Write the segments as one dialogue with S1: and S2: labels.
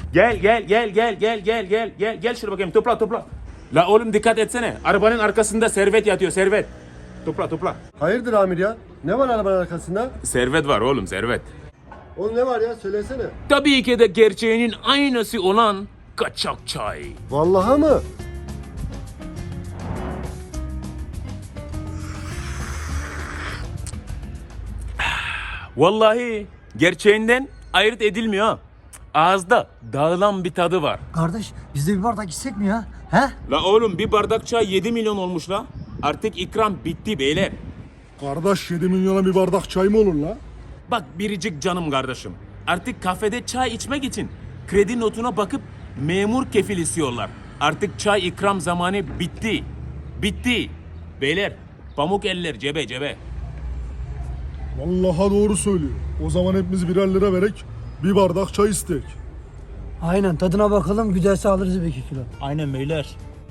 S1: Gel şuraya bakayım, topla. La oğlum dikkat etsene. Arabanın arkasında servet yatıyor, servet. Topla.
S2: Hayırdır amir ya? Ne var arabanın arkasında?
S1: Servet var oğlum, servet.
S2: Oğlum ne var ya? Söylesene.
S1: Tabii ki de gerçeğinin aynısı olan kaçak çay.
S2: Vallahi mı?
S1: Vallahi gerçeğinden ayırt edilmiyor ha. Ağızda dağılan bir tadı var.
S3: Kardeş biz de bir bardak içsek mi ya? He?
S1: La oğlum bir bardak çay 7 milyon olmuş la. Artık ikram bitti beyler.
S4: Kardeş 7 milyona bir bardak çay mı olur la?
S1: Bak biricik canım kardeşim. Artık kafede çay içmek için kredi notuna bakıp memur kefil istiyorlar. Artık çay ikram zamanı bitti. Bitti. Beyler pamuk eller cebe.
S4: Vallahi doğru söylüyor. O zaman hepimiz birer lira verek bir bardak çay istek.
S3: Aynen tadına bakalım güzelse alırız bir 2 kilo.
S5: Aynen beyler.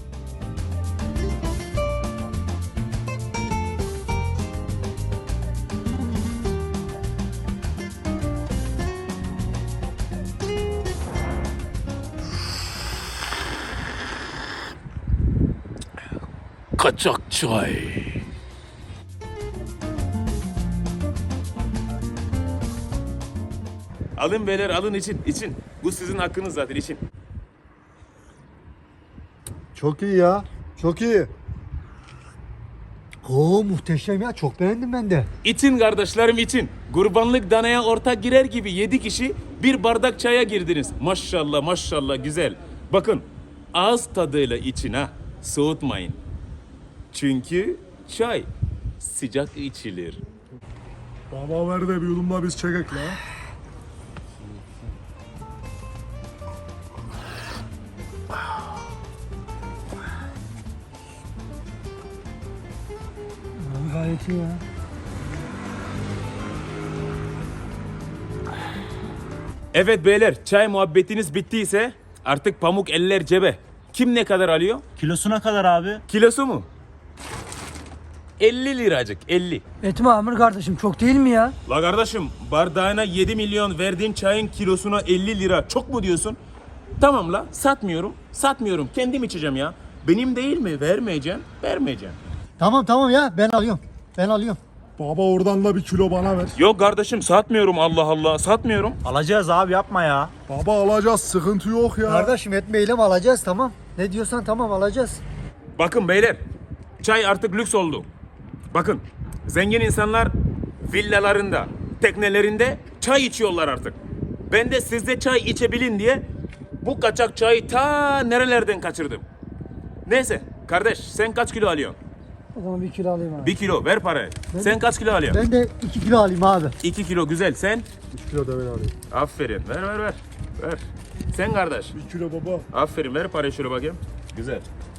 S1: Kaçak çay. Alın beyler alın için. Bu sizin hakkınız zaten için.
S2: Çok iyi ya. Çok iyi.
S3: Oo muhteşem ya çok beğendim ben de.
S1: İçin kardeşlerim için. Kurbanlık danaya ortak girer gibi 7 kişi bir bardak çaya girdiniz. Maşallah güzel. Bakın ağız tadıyla için ha. Soğutmayın. Çünkü çay sıcak içilir.
S4: Baba ver de bir yudumla biz çekek la.
S3: Abi gayet iyi ya.
S1: Evet beyler çay muhabbetiniz bittiyse artık pamuk eller cebe. Kim ne kadar alıyor?
S5: Kilosuna kadar abi.
S1: Kilosu mu? 50 liracık 50.
S3: Etme Amir kardeşim çok değil mi ya?
S1: La kardeşim bardağına 7 milyon verdiğin çayın kilosuna 50 lira çok mu diyorsun? Tamam la satmıyorum kendim içeceğim ya. Benim değil mi vermeyeceğim.
S3: Tamam ya ben alıyorum.
S4: Baba oradan da bir kilo bana ver.
S1: Yok kardeşim satmıyorum Allah satmıyorum.
S5: Alacağız abi yapma ya.
S4: Baba alacağız sıkıntı yok ya.
S3: Kardeşim etmeyelim alacağız tamam. Ne diyorsan tamam alacağız.
S1: Bakın beyler çay artık lüks oldu. Bakın zengin insanlar villalarında, teknelerinde çay içiyorlar artık. Ben de sizde çay içebilin diye bu kaçak çayı ta nerelerden kaçırdım. Neyse kardeş sen kaç kilo alıyorsun?
S3: O zaman 1 kilo alayım abi.
S1: 1 kilo ver parayı. Sen kaç kilo alıyorsun?
S3: Ben de 2 kilo alayım abi.
S1: 2 kilo güzel sen.
S2: 3 kilo da ben alayım.
S1: Aferin ver. Sen kardeş.
S4: 1 kilo baba.
S1: Aferin ver parayı şöyle bakayım. Güzel.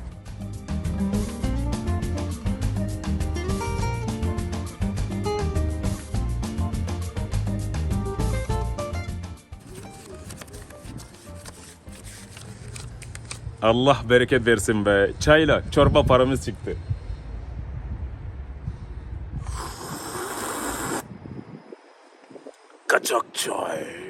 S1: Allah bereket versin be. Çayla çorba paramız çıktı. Kaçak çay.